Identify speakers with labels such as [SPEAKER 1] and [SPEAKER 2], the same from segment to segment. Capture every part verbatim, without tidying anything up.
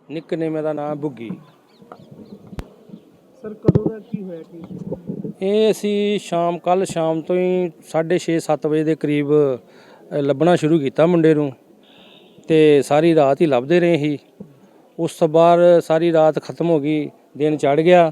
[SPEAKER 1] Nickname ਦਾ ਨਾਮ ਬੁੱਗੀ।
[SPEAKER 2] Sir ਕਦੋਂ ਦਾ ਕੀ ਹੋਇਆ ਕੀ?
[SPEAKER 1] ਇਹ ਅਸੀਂ ਸ਼ਾਮ ਕੱਲ ਸ਼ਾਮ ਤੋਂ ਹੀ ਸਾਢੇ ਛੇ ਸੱਤ ਵਜੇ ਦੇ ਕਰੀਬ ਲੱਭਣਾ ਸ਼ੁਰੂ ਕੀਤਾ ਮੁੰਡੇ ਨੂੰ, ਤੇ ਸਾਰੀ ਰਾਤ ਹੀ ਲੱਭਦੇ ਰਹੇ ਸੀ। ਉਸ ਤੋਂ ਬਾਅਦ ਸਾਰੀ ਰਾਤ ਖਤਮ ਹੋ ਗਈ, ਦਿਨ ਚੜ੍ਹ ਗਿਆ,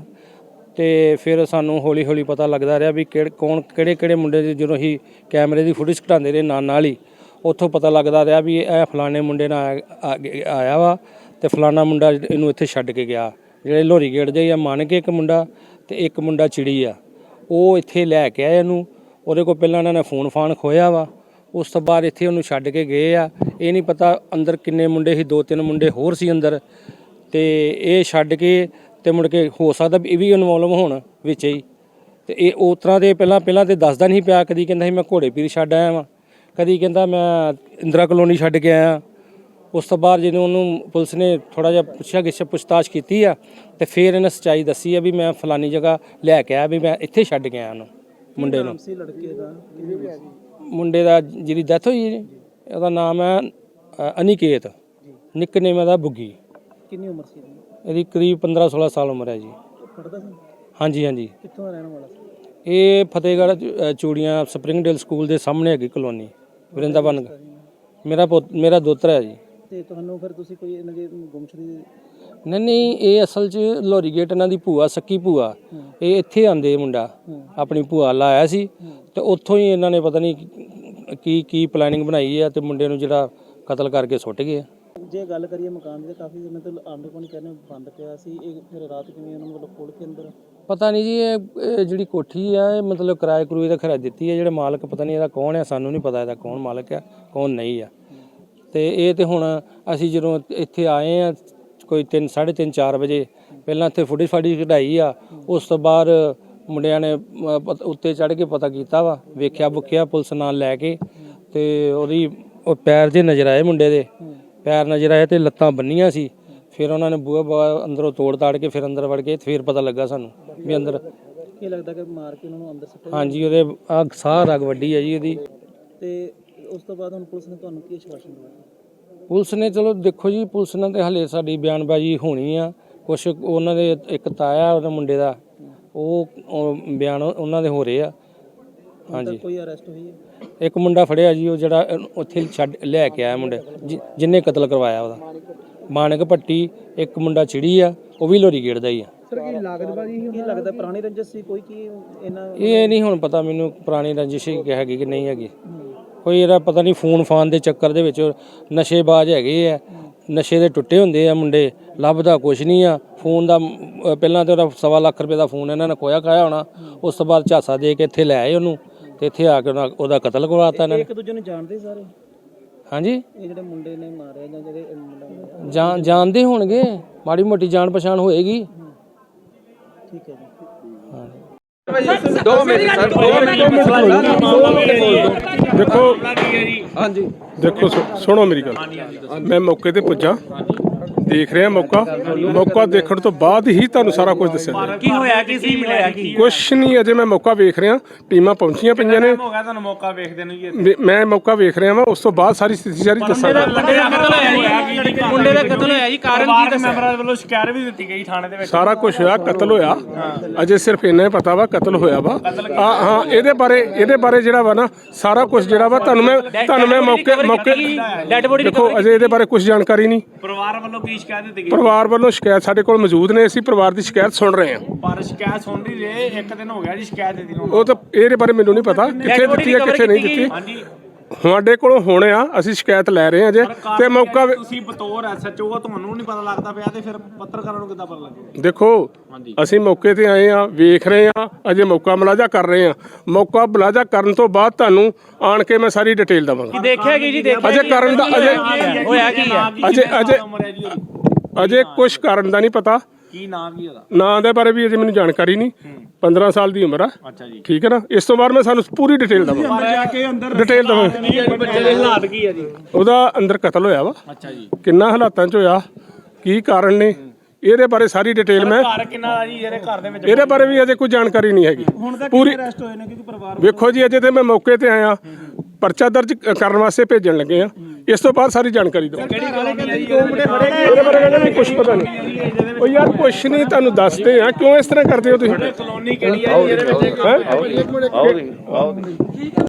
[SPEAKER 1] ਤੇ ਫਿਰ ਸਾਨੂੰ ਹੌਲੀ ਹੌਲੀ ਪਤਾ ਲੱਗਦਾ ਰਿਹਾ ਵੀ ਕਿਹੜੇ ਕੌਣ ਕਿਹੜੇ ਕਿਹੜੇ ਮੁੰਡੇ ਦੇ, ਜਦੋਂ ਅਸੀਂ ਕੈਮਰੇ ਦੀ ਫੁਟੇਜ ਘਟਾਉਂਦੇ ਰਹੇ ਨਾਲ ਨਾਲ ਹੀ ਉੱਥੋਂ ਪਤਾ ਲੱਗਦਾ ਰਿਹਾ ਵੀ ਇਹ ਫਲਾਣੇ ਮੁੰਡੇ ਨਾਲ ਆਇਆ ਵਾ ਤੇ ਫਲਾਣਾ ਮੁੰਡਾ ਇਹਨੂੰ ਇੱਥੇ ਛੱਡ ਕੇ ਗਿਆ। ਜਿਹੜੇ ਲੋਹਰੀ ਗੇਟ ਦੇ ਆ ਮੰਨ ਕੇ ਇੱਕ ਮੁੰਡਾ ਤੇ ਇੱਕ ਮੁੰਡਾ ਚਿੜੀ ਆ, ਉਹ ਇੱਥੇ ਲੈ ਕੇ ਆਏ ਇਹਨੂੰ। ਉਹਦੇ ਕੋਲ ਪਹਿਲਾਂ ਇਹਨਾਂ ਨੇ ਫੋਨ ਫਾਨ ਖੋਇਆ ਵਾ, ਉਸ ਤੋਂ ਬਾਅਦ ਇੱਥੇ ਉਹਨੂੰ ਛੱਡ ਕੇ ਗਏ ਆ। ਇਹ ਨਹੀਂ ਪਤਾ ਅੰਦਰ ਕਿੰਨੇ ਮੁੰਡੇ ਸੀ, ਦੋ ਤਿੰਨ ਮੁੰਡੇ ਹੋਰ ਸੀ ਅੰਦਰ, ਤੇ ਇਹ ਛੱਡ ਕੇ ਤੇ ਮੁੜ ਕੇ ਹੋ ਸਕਦਾ ਇਹ ਵੀ ਇਨਵੋਲਵ ਹੋਣ ਵਿੱਚ ਹੀ। ਤੇ ਇਹ ਉਸ ਤਰ੍ਹਾਂ ਦੇ ਪਹਿਲਾਂ ਪਹਿਲਾਂ ਤੇ ਦੱਸਦਾ ਨਹੀਂ ਪਿਆ, ਕਦੀ ਕਹਿੰਦਾ ਸੀ ਮੈਂ ਘੋੜੇ ਪੀਰ ਛੱਡ ਆਇਆ ਵਾਂ, ਕਦੀ ਕਹਿੰਦਾ ਮੈਂ ਇੰਦਰਾ ਕਲੋਨੀ ਛੱਡ ਕੇ ਆਇਆ। ਉਸ ਤੋਂ ਬਾਅਦ ਜਦੋਂ ਉਹਨੂੰ ਪੁਲਿਸ ਨੇ ਥੋੜ੍ਹਾ ਜਿਹਾ ਪੁੱਛਿਆ ਗਿੱਛ ਪੁੱਛਤਾਛ ਕੀਤੀ ਆ, ਤੇ ਫਿਰ ਇਹਨੇ ਸੱਚਾਈ ਦੱਸੀ ਆ ਵੀ ਮੈਂ ਫਲਾਨੀ ਜਗ੍ਹਾ ਲੈ ਕੇ ਆਇਆ, ਵੀ ਮੈਂ ਇੱਥੇ ਛੱਡ ਕੇ ਆਇਆ ਉਹਨੂੰ ਮੁੰਡੇ ਨੂੰ।
[SPEAKER 2] ਲੜਕੇ ਦਾ
[SPEAKER 1] ਮੁੰਡੇ ਦਾ ਜਿਹਦੀ ਡੈਥ ਹੋਈ ਜੀ, ਉਹਦਾ ਨਾਮ ਹੈ ਅਨਿਕੇਤ, ਨਿਕਨੇਮ ਦਾ ਬੁੱਗੀ।
[SPEAKER 2] ਕਿੰਨੀ ਉਮਰ ਸੀ
[SPEAKER 1] ਇਹਦੀ ਕਰੀਬ ਪੰਦਰਾਂ ਸੋਲਾਂ ਸਾਲ ਉਮਰ ਹੈ ਜੀ।
[SPEAKER 2] ਪੜ੍ਹਦਾ ਸੀ?
[SPEAKER 1] ਹਾਂਜੀ ਹਾਂਜੀ।
[SPEAKER 2] ਕਿੱਥੋਂ ਦਾ ਰਹਿਣ ਵਾਲਾ ਸੀ?
[SPEAKER 1] ਇਹ ਫਤਿਹਗੜ੍ਹ ਚੂੜੀਆਂ ਸਪਰਿੰਗਡੇਲ ਸਕੂਲ ਦੇ ਸਾਹਮਣੇ ਹੈਗੀ ਕਲੋਨੀ ਵਰਿੰਦਾਵਨ। ਮੇਰਾ ਪੁੱਤ ਮੇਰਾ ਦੋਤਰਾ ਹੈ ਜੀ।
[SPEAKER 2] ਤੇ ਤੁਹਾਨੂੰ ਫਿਰ ਤੁਸੀਂ ਕੋਈ ਇਹਨਾਂ ਦੀ ਗੁੰਮਸ਼ੁਦਗੀ?
[SPEAKER 1] ਨਹੀਂ ਨਹੀਂ, ਇਹ ਅਸਲ 'ਚ ਲੋਹਰੀ ਗੇਟ ਇਹਨਾਂ ਦੀ ਭੂਆ, ਸੱਕੀ ਭੂਆ, ਇਹ ਇੱਥੇ ਆਂਦੇ ਮੁੰਡਾ ਆਪਣੀ ਭੂਆ ਲਾਇਆ ਸੀ, ਤੇ ਉੱਥੋਂ ਹੀ ਇਹਨਾਂ ਨੇ ਪਤਾ ਨਹੀਂ ਕੀ ਕੀ ਪਲੈਨਿੰਗ ਬਣਾਈ ਆ, ਤੇ ਮੁੰਡੇ ਨੂੰ ਜਿਹੜਾ ਕਤਲ ਕਰਕੇ ਸੁੱਟ ਗਏ।
[SPEAKER 2] ਜੇ ਗੱਲ ਕਰੀਏ ਮਕਾਨ ਦੀ, ਤਾਂ ਕਾਫੀ ਦਿਨ ਤੋਂ ਆਂਡੇ ਕੋਲ ਕਹਿੰਦੇ ਬੰਦ ਪਿਆ ਸੀ, ਇਹ ਫਿਰ ਰਾਤ ਕਿਵੇਂ ਉਹਨਾਂ ਨੂੰ ਮਤਲਬ ਖੋਲ ਕੇ ਅੰਦਰ? ਪਤਾ ਨਹੀਂ ਜੀ, ਇਹ ਜਿਹੜੀ ਕੋਠੀ ਆ ਇਹ ਮਤਲਬ ਕਿਰਾਏ ਕਰੂਏ ਦਾ ਖਰਾ ਦਿੱਤੀ ਹੈ। ਜਿਹੜੇ ਮਾਲਕ ਪਤਾ ਨਹੀਂ ਇਹਦਾ ਕੌਣ ਆ, ਸਾਨੂੰ ਨਹੀਂ ਪਤਾ ਇਹਦਾ ਕੌਣ ਮਾਲਕ ਆ ਕੌਣ ਨਹੀਂ ਆ। ਤੇ ਇਹ ਤੇ ਹੁਣ ਅਸੀਂ ਜਦੋਂ ਇੱਥੇ ਆਏ ਆ ਕੋਈ ਤਿੰਨ ਸਾਢੇ ਤਿੰਨ ਚਾਰ ਵਜੇ, ਪਹਿਲਾਂ ਇੱਥੇ ਫੁਟੇਜ ਫਾੜੀ ਕਢਾਈ ਆ। ਉਸ ਤੋਂ ਬਾਅਦ ਮੁੰਡਿਆਂ ਨੇ ਉੱਤੇ ਚੜ੍ਹ ਕੇ ਪਤਾ ਕੀਤਾ ਵਾ, ਵੇਖਿਆ ਬੁੱਖਿਆ ਪੁਲਿਸ ਨਾਲ ਲੈ ਕੇ, ਤੇ ਉਹਦੀ ਉਹ ਪੈਰ ਜੇ ਨਜ਼ਰ ਆਏ, ਮੁੰਡੇ ਦੇ ਪੈਰ ਨਜ਼ਰ ਆਏ ਤੇ ਲੱਤਾਂ ਬੰਨੀਆਂ ਸੀ। ਫਿਰ ਉਹਨਾਂ ਨੇ ਬੂਹਾ ਬੂਹਾ ਅੰਦਰੋਂ ਤੋੜ ਤਾੜ ਕੇ ਫਿਰ ਅੰਦਰ ਵੜ ਗਏ। ਫਿਰ ਪਤਾ ਲੱਗਾ ਸਾਨੂੰ ਵੀ ਅੰਦਰ ਕੀ ਲੱਗਦਾ ਕਿ ਮਾਰ ਕੇ ਉਹਨਾਂ ਨੂੰ ਅੰਦਰ ਸੁੱਟਿਆ। ਹਾਂਜੀ, ਉਹਦੇ ਆ ਸਾਹ ਰਗ ਵੱਡੀ ਹੈ ਜੀ ਉਹਦੀ। ਤੇ ਉਸ ਤੋਂ ਬਾਅਦ ਹੁਣ ਪੁਲਿਸ ਨੇ ਤੁਹਾਨੂੰ ਕੀ ਆਸ਼ਵਾਸਨ ਦਿੱਤਾ? ਪੁਲਿਸ ਨੇ ਚਲੋ ਦੇਖੋ ਜੀ, ਪੁਲਿਸ ਨਾਲ ਤੇ ਹਲੇ ਸਾਡੀ ਬਿਆਨਬਾਜ਼ੀ ਹੋਣੀ ਆ। ਕੁਛ ਉਹਨਾਂ ਦੇ ਇੱਕ ਤਾਇਆ ਉਹਦੇ ਮੁੰਡੇ ਦਾ, ਉਹ ਬਿਆਨ ਉਹਨਾਂ ਦੇ ਹੋ ਰਹੇ ਆ। ਹਾਂਜੀ, ਕੋਈ ਅਰੈਸਟ ਹੋਈ ਹੈ? ਇੱਕ ਮੁੰਡਾ ਫੜਿਆ ਜੀ, ਉਹ ਜਿਹੜਾ ਉੱਥੇ ਛੱਡ ਲੈ ਕੇ ਆਇਆ ਮੁੰਡੇ ਜਿਹਨੇ ਕਤਲ ਕਰਵਾਇਆ, ਉਹਦਾ ਮਾਨਕ ਭੱਟੀ। ਇੱਕ ਮੁੰਡਾ ਚਿੜੀ ਆ, ਉਹ ਵੀ ਲੋਹਰੀ ਗੇਟ ਦਾ ਹੀ ਆ। ਸਰ ਕੀ ਲਾਗਤਬਾਜ਼ੀ ਕੀ ਲੱਗਦਾ ਪੁਰਾਣੀ ਰੰਜਿਸ਼ ਸੀ ਕੋਈ ਕੀ ਇਹਨਾਂ? ਇਹ ਨਹੀਂ ਹੁਣ ਪਤਾ ਮੈਨੂੰ ਪੁਰਾਣੀ ਰੰਜਿਸ਼ ਹੈਗੀ ਕਿ ਨਹੀਂ ਹੈਗੀ। ਕੋਈ ਇਹਦਾ ਪਤਾ ਨਹੀਂ, ਫੋਨ ਫਾਨ ਦੇ ਚੱਕਰ ਦੇ ਵਿੱਚ ਨਸ਼ੇਬਾਜ਼ ਹੈਗੇ ਆ, ਨਸ਼ੇ ਦੇ ਟੁੱਟੇ ਹੁੰਦੇ ਆ ਮੁੰਡੇ, ਲੱਭਦਾ ਕੁਛ ਨਹੀਂ ਆ। ਫੋਨ ਦਾ ਪਹਿਲਾਂ ਤਾਂ ਉਹਦਾ ਸਵਾ ਲੱਖ ਰੁਪਏ ਦਾ ਫੋਨ ਇਹਨਾਂ ਨੇ ਖੋਇਆ ਖਾਇਆ ਹੋਣਾ। ਉਸ ਤੋਂ ਬਾਅਦ ਝਾਸਾ ਦੇ ਕੇ ਇੱਥੇ ਲੈ ਆਏ ਉਹਨੂੰ, ਤੇ ਇੱਥੇ ਆ ਕੇ ਉਹਦਾ ਕਤਲ ਕਰਵਾਤਾ ਇਹਨਾਂ ਨੇ। ਇੱਕ ਦੂਜੇ ਨੂੰ ਜਾਣਦੇ ਸਾਰੇ? ਹਾਂਜੀ, ਇਹ ਜਿਹੜੇ ਮੁੰਡੇ ਨੇ ਮਾਰਿਆ ਜਾਂ ਜਿਹੜੇ ਜਾਣ ਜਾਣਦੇ ਹੋਣਗੇ, ਮਾੜੀ ਮੋਟੀ ਜਾਣ ਪਛਾਣ ਹੋਏਗੀ। ਠੀਕ ਹੈ ਜੀ।
[SPEAKER 3] ਦੋ ਮਿੰਟ ਸਰ, ਦੋ ਮਿੰਟ ਦੇਖੋ। ਹਾਂਜੀ ਦੇਖੋ, ਸੁਣੋ ਮੇਰੀ ਗੱਲ। ਮੈਂ ਮੌਕੇ ਤੇ ਪੁੱਜਾ, ਦੇਖ ਰਿਹਾ ਮੌਕਾ ਮੌਕਾ ਦੇਖਣ ਤੋਂ ਬਾਅਦ ਹੀ ਤੁਹਾਨੂੰ ਸਾਰਾ ਕੁਝ ਦੱਸਿਆ।
[SPEAKER 2] ਕੀ ਹੋਇਆ, ਕੀ ਸੀ, ਮਿਲਿਆ ਕੀ?
[SPEAKER 3] ਕੁਛ ਨਹੀਂ, ਅਜੇ ਮੈਂ ਮੌਕਾ ਵੇਖ ਰਿਹਾ। ਟੀਮਾਂ ਪਹੁੰਚੀਆਂ ਪਈਆਂ ਨੇ।
[SPEAKER 2] ਹੋ ਗਿਆ ਤੁਹਾਨੂੰ ਮੌਕਾ ਵੇਖਦੇ ਨੂੰ ਜੀ?
[SPEAKER 3] ਮੈਂ ਮੌਕਾ ਵੇਖ ਰਿਹਾ ਵਾਂ, ਉਸ ਤੋਂ ਬਾਅਦ ਸਾਰੀ ਸਥਿਤੀ ਸਾਰੀ ਦੱਸਾਂਗਾ।
[SPEAKER 2] ਮੁੰਡੇ ਦਾ ਕਤਲ ਹੋਇਆ ਜੀ, ਮੁੰਡੇ ਦਾ ਕਤਲ ਹੋਇਆ ਜੀ, ਕਾਰਨ ਕੀ ਦੱਸਿਆ? ਮੈਂਬਰਾਂ ਵੱਲੋਂ ਸ਼ਿਕਾਇਤ ਵੀ ਦਿੱਤੀ ਗਈ ਥਾਣੇ ਦੇ ਵਿੱਚ।
[SPEAKER 3] ਸਾਰਾ ਕੁਝ ਹੋਇਆ, ਕਤਲ ਹੋਇਆ। ਅਜੇ ਸਿਰਫ ਇੰਨਾ ਹੀ ਪਤਾ ਵਾ ਕਤਲ ਹੋਇਆ ਵਾ। ਹਾਂ, ਇਹਦੇ ਬਾਰੇ ਇਹਦੇ ਬਾਰੇ ਜਿਹੜਾ ਵਾ ਨਾ ਸਾਰਾ ਕੁਝ ਜਿਹੜਾ ਵਾ ਤੁਹਾਨੂੰ ਮੈਂ ਤੁਹਾਨੂੰ ਮੈਂ ਮੌਕੇ ਮੌਕੇ ਦੇਖੋ, ਅਜੇ ਇਹਦੇ ਬਾਰੇ ਕੁਝ ਜਾਣਕਾਰੀ ਨਹੀਂ।
[SPEAKER 2] ਪਰਿਵਾਰ ਵੱਲੋਂ ਕੀ ਸ਼ਿਕਾਇਤ ਦਿੱਤੀ ਗਈ?
[SPEAKER 3] ਪਰਿਵਾਰ ਵੱਲੋਂ ਸ਼ਿਕਾਇਤ ਸਾਡੇ ਕੋਲ ਮੌਜੂਦ ਨੇ, ਅਸੀਂ ਪਰਿਵਾਰ ਦੀ ਸ਼ਿਕਾਇਤ ਸੁਣ ਰਹੇ ਹਾਂ।
[SPEAKER 2] ਪਰ ਸ਼ਿਕਾਇਤ ਸੁਣ ਰਹੀ ਰਹੇ, ਇੱਕ ਦਿਨ ਹੋ ਗਿਆ ਜੀ ਸ਼ਿਕਾਇਤ ਦਿੱਤੀ ਨੂੰ।
[SPEAKER 3] ਉਹ ਤਾਂ ਇਹਦੇ ਬਾਰੇ ਮੈਨੂੰ ਨਹੀਂ ਪਤਾ ਕਿੱਥੇ ਦਿੱਤੀ ਹੈ ਕਿੱਥੇ ਨਹੀਂ ਦਿੱਤੀ। ਸਾਡੇ ਕੋਲੋਂ ਹੋਣੇ ਆ, ਅਸੀਂ ਸ਼ਿਕਾਇਤ ਲੈ ਰਹੇ ਹਾਂ ਜੇ। ਤੇ ਮੌਕਾ
[SPEAKER 2] ਤੁਸੀਂ ਬਤੌਰ ਐਸਐਚਓ ਤੁਹਾਨੂੰ ਨਹੀਂ ਪਤਾ ਲੱਗਦਾ ਪਿਆ, ਤੇ ਫਿਰ ਪੱਤਰਕਾਰਾਂ ਨੂੰ ਕਿੱਦਾਂ ਪਤਾ ਲੱਗੇ?
[SPEAKER 3] ਦੇਖੋ, ਅਸੀਂ ਮੌਕੇ ਤੇ ਆਏ ਆ, ਵੇਖ ਰਹੇ ਆ, ਅਜੇ ਮੌਕਾ ਮੁਲਾਜ਼ਾ ਕਰ ਰਹੇ ਆ। ਮੌਕਾ ਮੁਲਾਜ਼ਾ ਕਰਨ ਤੋਂ ਬਾਅਦ ਤੁਹਾਨੂੰ ਆਣ ਕੇ ਮੈਂ ਸਾਰੀ ਡਿਟੇਲ ਦਵਾਂਗਾ।
[SPEAKER 2] ਦੇਖਿਆ ਕੀ ਜੀ? ਦੇਖਿਆ
[SPEAKER 3] ਅਜੇ ਕਰਨ ਦਾ ਅਜੇ
[SPEAKER 2] ਹੋਇਆ ਕੀ ਹੈ?
[SPEAKER 3] ਅਜੇ ਅਜੇ ਅਜੇ ਕੁਛ ਕਾਰਨ ਦਾ ਨਹੀਂ ਪਤਾ।
[SPEAKER 2] ਕੀ ਨਾਮ ਕੀ ਉਹਦਾ?
[SPEAKER 3] ਨਾਂ ਦੇ ਬਾਰੇ ਵੀ ਅਜੇ ਮੈਨੂੰ ਜਾਣਕਾਰੀ ਨਹੀਂ। ਪੰਦਰਾਂ ਸਾਲ ਦੀ ਉਮਰ ਆ।
[SPEAKER 2] ਅੱਛਾ ਜੀ,
[SPEAKER 3] ਠੀਕ ਹੈ ਨਾ। ਇਸ ਤੋਂ ਬਾਅਦ ਮੈਂ ਸਾਨੂੰ ਪੂਰੀ ਡਿਟੇਲ ਦਵਾਂਗਾ। ਡਿਟੇਲ ਦਵਾਂਗਾ।
[SPEAKER 2] ਬੱਚੇ ਦੇ ਹਾਲਾਤ ਕੀ ਹੈ ਜੀ?
[SPEAKER 3] ਉਹਦਾ ਅੰਦਰ ਕਤਲ ਹੋਇਆ ਵਾ।
[SPEAKER 2] ਅੱਛਾ ਜੀ,
[SPEAKER 3] ਕਿੰਨਾ ਹਾਲਾਤਾਂ 'ਚ ਹੋਇਆ, ਕੀ ਕਾਰਨ ਨੇ, ਇਹਦੇ ਬਾਰੇ ਸਾਰੀ ਡਿਟੇਲ ਮੈਂ
[SPEAKER 2] ਘਰ ਕਿੰਨਾ ਜੀ ਇਹਦੇ ਘਰ ਦੇ ਵਿੱਚ?
[SPEAKER 3] ਇਹਦੇ ਬਾਰੇ ਵੀ ਅਜੇ ਕੋਈ ਜਾਣਕਾਰੀ ਨਹੀਂ ਹੈਗੀ ਪੂਰੀ।
[SPEAKER 2] ਅਰੈਸਟ ਹੋਏ ਨੇ ਕਿਉਂਕਿ ਪਰਿਵਾਰ
[SPEAKER 3] ਵੇਖੋ ਜੀ, ਅਜੇ ਤੇ ਮੈਂ ਮੌਕੇ ਤੇ ਆਇਆ, ਪਰਚਾ ਦਰਜ ਕਰਨ ਵਾਸਤੇ ਭੇਜਣ ਲੱਗੇ ਆ। ਇਸ ਤੋਂ ਬਾਅਦ ਸਾਰੀ ਜਾਣਕਾਰੀ ਦਿਓ। ਇਹਦੇ ਬਾਰੇ ਕਹਿੰਦੇ ਵੀ ਕੁਝ ਪਤਾ ਨਹੀਂ। ਉਹ ਯਾਰ ਕੁਛ ਨਹੀਂ, ਤੁਹਾਨੂੰ ਦੱਸਦੇ ਆ ਕਿਉਂ ਇਸ ਤਰ੍ਹਾਂ ਕਰਦੇ ਹੋ ਤੁਸੀਂ। ਕਲੋਨੀ ਕਿਹੜੀ ਹੈ?